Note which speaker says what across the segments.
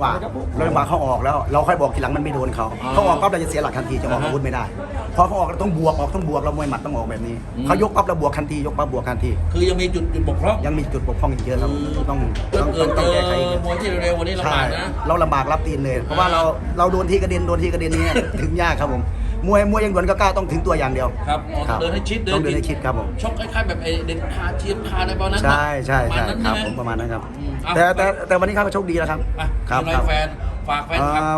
Speaker 1: ว่าเราจังหวะเขาออกแล้วเราค่อยบอกทีหลังมันไม่โดนเขาออกปั๊บเราจะเสียหลักทันทีจะออกอาวุธไม่ได้พอเขาออกเราต้องบวกเรามวยหมัดต้องออกแบบนี้เขายกปั๊บเราบวกทันทียกปั๊บบวกทันที
Speaker 2: คือยังมีจุดบกพร่อง
Speaker 1: ยังมีจุดบกพร่องอีกเยอะครับต้อง
Speaker 2: แก้ไขมวยที่เร็วๆวันนี้ลำบากนะ
Speaker 1: เราลำบากรับตีนเลยเพราะว่าเราโดนที่กระเด็นนี้ถึงยากครับผมมวยยังด่วนก็กล้าต้องถึงตัวอย่างเดียว
Speaker 2: ครับเดินให้ชิด
Speaker 1: ต้องเดินให้ชิดครับผม
Speaker 2: ชกคล้ายๆแบบไอเด็ดคาเทียมคาในบอลนั้น
Speaker 1: ใช่ครับผมประมาณนั้นครับแต่วันนี้เขาโชคดีแล้วครับ
Speaker 2: ครับแฟนฝาก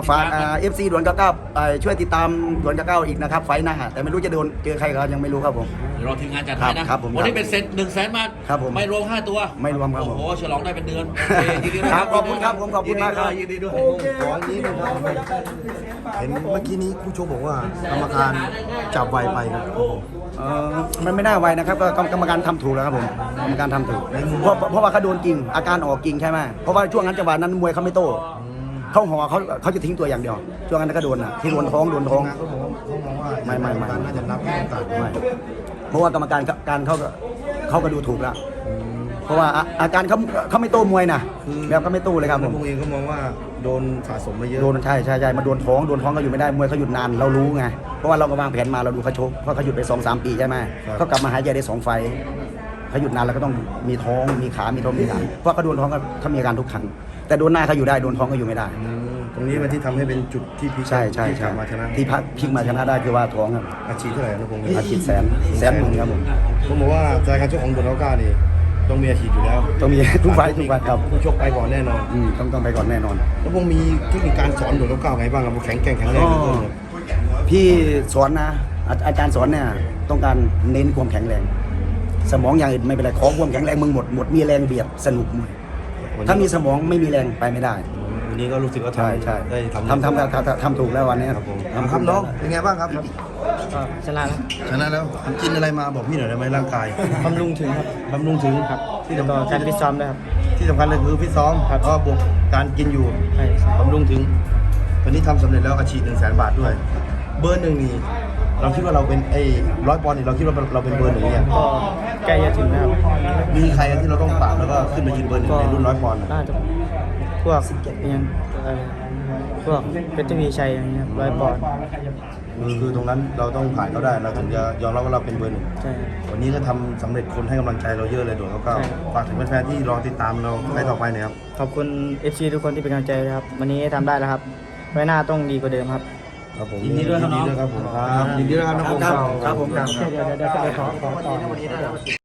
Speaker 1: FC ด่วน99ช่วยติดตามด่วน99อีกนะครับไฟหน้าแต่ไม่รู้จะโดนเจอใครก็ยังไม่รู้ครับผม
Speaker 2: รอทีมงานจัดให้นะครับวันนี้เป็นเซ็ต100,000 บาท
Speaker 1: ครับผม
Speaker 2: ไม่รวม5ตัว
Speaker 1: ไม่รวมครับผม
Speaker 2: โอ้โหฉลองได้เป็นเดือน
Speaker 1: ครับขอบคุณครับผมขอบคุณมากครับ
Speaker 2: ยินดีด้วย
Speaker 3: ของนี้นะครับเห็นเมื่อกี้นี้ผู้ชกบอกว่ากรรมการจับไวไปครับ
Speaker 1: มันไม่น่าไวนะครับก็กรรมการทำถูกแล้วครับผมกรรมการทำถูกเพราะว่าเขาโดนจริงอาการออกจริงใช่ไหมเพราะว่าช่วงนั้นจังหวะนั้นมวยเขาไม่โต้เขาห่อเขาจะทิ้งตัวอย่างเดียวช่วงนั้นก็โดนนะที่โดนท้อง
Speaker 3: เขามองว่าไม่น่าจะนับไม่ต่างไม่
Speaker 1: เพราะว่ากรรมการเขาก็ดูถูกแล้วเพราะว่าอาการเขาไม่โต้มวยนะแบบก็ไม่โต้เลยครับผม
Speaker 3: เองก็มองว่าโดนสะสมมาเยอะ
Speaker 1: โดนใช่มาโดนท้องก็อยู่ไม่ได้มวยเขาหยุดนานเรารู้ไงเพราะว่าเราก็วางแผนมาเราดูเขาชกเพราะเขาหยุดไป 2-3 ปีใช่ไหมเขากลับมาหายใจได้2 ไฟเขาหยุดนานแล้วก็ต้องมีท้องมีขามีท้องมีหลังเพราะเขาโดนท้องเขามีอาการทุกครั้งแต่โดนหน้าเขาอยู่ได้โดนท้องก็อยู่ไม่ได้
Speaker 3: ตรงนี้มันที่ทำให้เป็นจุดที่พลิก
Speaker 1: ใช่
Speaker 3: มาชนะ
Speaker 1: ที่พลิกมาชนะได้คือว่าท้องครับ
Speaker 3: อาชีพเท่าไหร่นะผม
Speaker 1: อาชีพแสนครับ
Speaker 3: ผมบอกว่าจากการชกของโดนก้านี่ต้องมีอาชีพอยู่แล้ว
Speaker 1: ต้องมีทุกไฟครับ
Speaker 3: ผู้ชกไปก่อนแน่นอน
Speaker 1: ต้องไปก่อนแน่นอน
Speaker 3: แล้วผมมีเทคนิคการสอนโดนก้าไงบ้างครับแข็งแรง
Speaker 1: พี่สอนนะอาจารย์สอนเนี่ยต้องการเน้นความแข็งแรงสมองอย่างอื่นไม่เป็นไรขอความแข็งแรงมึงหมดมีแรงเบียดสนุกมวยถ้ามีสมองไม่มีแรงไปไม่ได้
Speaker 3: วันนี้ก็รู้สึกว่า
Speaker 1: ใช่
Speaker 3: ได้
Speaker 1: ทำถูกแล้ววันนี้
Speaker 3: ครับผมครับน้องเป็นไงบ้างครับ
Speaker 4: ชนะ
Speaker 3: แล้วกินอะไรมาบอกพี่หน่อยได้ไหมร่างกาย
Speaker 4: บำรุงถึงครับ
Speaker 3: บำรุงถึง
Speaker 4: ครับที่สำคัญการฟิตซ้อมด้วยครับ
Speaker 3: ที่สำคัญเลยคือฟิตซ้อมก็บวกการกินอยู่บำรุงถึงตอนนี้ทำสำเร็จแล้วอาชีพ100,000 บาทด้วยเบอร์1นี่เราคิดว่าเราเป็น100 ปอนด์นี่เราคิดว่าเราเป็นเบอร์1เนี่ย
Speaker 4: ก็ใกล้จะถึงนะครับ
Speaker 3: มีใครที่เราต้องปราบแล้วก็ขึ้นมายืนเบอร์1ในรุ่น100 ปอนด์
Speaker 4: น่าจะพวกยังพวกเพชรทวีชัยอย่างเงี้ย100 ปอนด์
Speaker 3: คือตรงนั้นเราต้องผ่านเขาได้เราถึงจะยอมรับว่าเราเป็นเบอร์ 1
Speaker 4: ใช่
Speaker 3: วันนี้ก็ทำสำเร็จคนให้กำลังใจเราเยอะเลยโดดเขาฝากถึงแฟนๆที่รอติดตามเราไปต่อไปนะครับ
Speaker 4: ขอบคุณ FC ทุกคนที่เป็นกำลังใจครับวันนี้ทำได้แล้วครับไว้หน้าต้องดีกว่าเดิมครับ
Speaker 3: ผมยินดีด้วยครับผมยินดีด้วยครับน้องผม
Speaker 1: ครับผม
Speaker 4: เดี๋ยวขอ